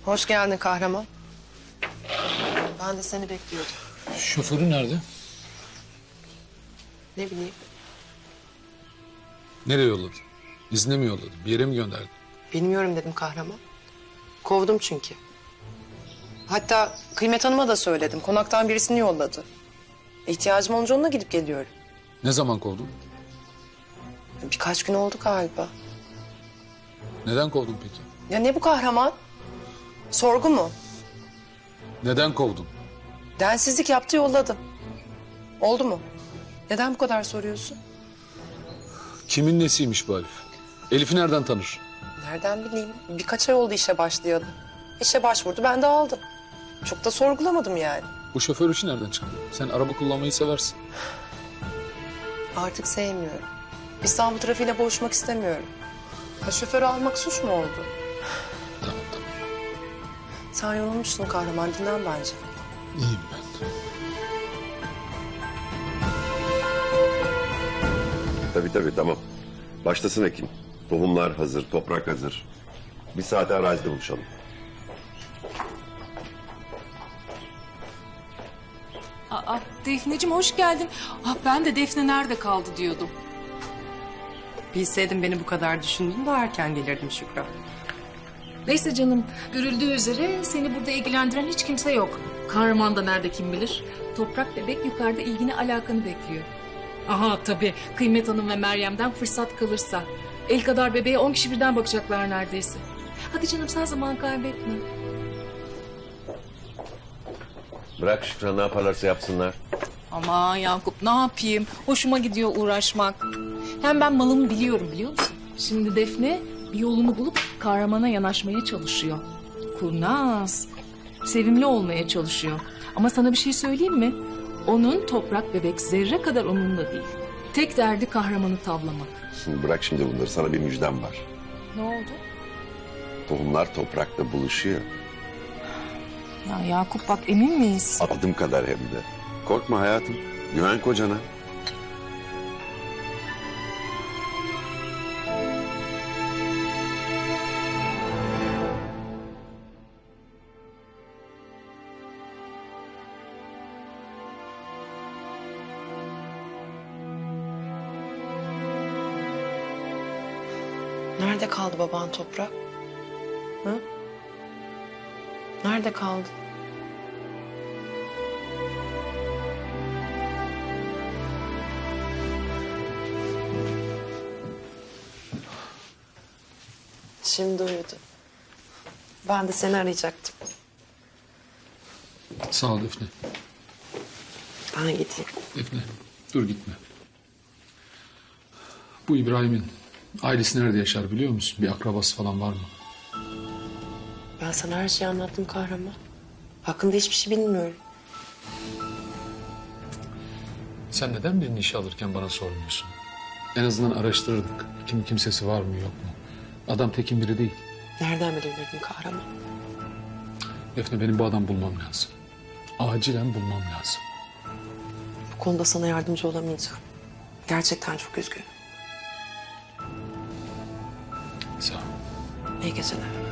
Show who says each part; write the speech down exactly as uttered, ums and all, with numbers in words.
Speaker 1: Hoş geldin kahraman. Ben de seni bekliyordum.
Speaker 2: Şoförü nerede?
Speaker 1: Ne bileyim.
Speaker 2: Nereye yolladı? İzne mi yolladı? Bir yere mi gönderdi?
Speaker 1: Bilmiyorum dedim kahraman. Kovdum çünkü. Hatta Kıymet Hanım'a da söyledim. Konaktan birisini yolladı. İhtiyacım olunca onunla gidip geliyorum.
Speaker 2: Ne zaman kovdun?
Speaker 1: Birkaç gün oldu galiba.
Speaker 2: Neden kovdun peki?
Speaker 1: Ya ne bu kahraman? Sorgu mu?
Speaker 2: Neden kovdun?
Speaker 1: Densizlik yaptı yolladım. Oldu mu? Neden bu kadar soruyorsun?
Speaker 2: Kimin nesiymiş bu Elif? Elif'i nereden tanır?
Speaker 1: Nereden bileyim? Birkaç ay oldu işe başlayalı. İşe başvurdu, ben de aldım. Çok da sorgulamadım yani.
Speaker 2: Bu şoför işi nereden çıktı? Sen araba kullanmayı seversin.
Speaker 1: Artık sevmiyorum. İstanbul trafiğiyle boğuşmak istemiyorum. Ha, şoförü almak suç mu oldu?
Speaker 2: Tamam tamam.
Speaker 1: Sen yorulmuşsun kahraman, dinlen bence.
Speaker 2: İyiyim ben.
Speaker 3: Tabii tabii tamam. Başlasın Ekim. Tohumlar hazır, toprak hazır. Bir saate arazide buluşalım.
Speaker 4: Aa, Defneciğim hoş geldin. Ah, ben de Defne nerede kaldı diyordum.
Speaker 1: Bilseydim beni bu kadar düşündüğünü daha erken gelirdim Şükran.
Speaker 4: Neyse canım, görüldüğü üzere seni burada ilgilendiren hiç kimse yok. Kahraman da nerede kim bilir. Toprak bebek yukarıda ilgini alakanı bekliyor. Aha tabii, Kıymet Hanım ve Meryem'den fırsat kalırsa. El kadar bebeğe on kişi birden bakacaklar neredeyse. Hadi canım sen zaman kaybetme.
Speaker 3: Bırak Şükran, ne yaparlarsa yapsınlar.
Speaker 4: Aman Yakup ne yapayım? Hoşuma gidiyor uğraşmak. Hem ben malımı biliyorum biliyor musun? Şimdi Defne bir yolunu bulup kahramana yanaşmaya çalışıyor. Kurnaz, sevimli olmaya çalışıyor. Ama sana bir şey söyleyeyim mi? Onun toprak bebek zerre kadar onunla değil. Tek derdi kahramanı tavlamak.
Speaker 3: Şimdi bırak şimdi bunları, sana bir müjdem var.
Speaker 4: Ne oldu?
Speaker 3: Tohumlar toprakla buluşuyor.
Speaker 4: Ya Yakup bak emin miyiz?
Speaker 3: Adım kadar hem de. Korkma hayatım, güven kocana.
Speaker 1: Nerede kaldı baban Toprak? Hı? Nerede kaldı? Şimdi uyudu. Ben de seni arayacaktım.
Speaker 2: Sağ ol Defne.
Speaker 1: Ben gideyim.
Speaker 2: Defne dur gitme. Bu İbrahim'in ailesi nerede yaşar biliyor musun? Bir akrabası falan var mı?
Speaker 1: Ben sana her şeyi anlattım kahraman. Hakkında hiçbir şey bilmiyorum.
Speaker 2: Sen neden birini işe alırken bana sormuyorsun? En azından araştırırdık. Kim kimsesi var mı yok mu? Adam tekin biri değil.
Speaker 1: Nereden bilebilirdin kahraman?
Speaker 2: Defne benim bu adamı bulmam lazım. Acilen bulmam lazım.
Speaker 1: Bu konuda sana yardımcı olamayacağım. Gerçekten çok üzgünüm.
Speaker 2: Sağ ol.
Speaker 1: İyi geceler.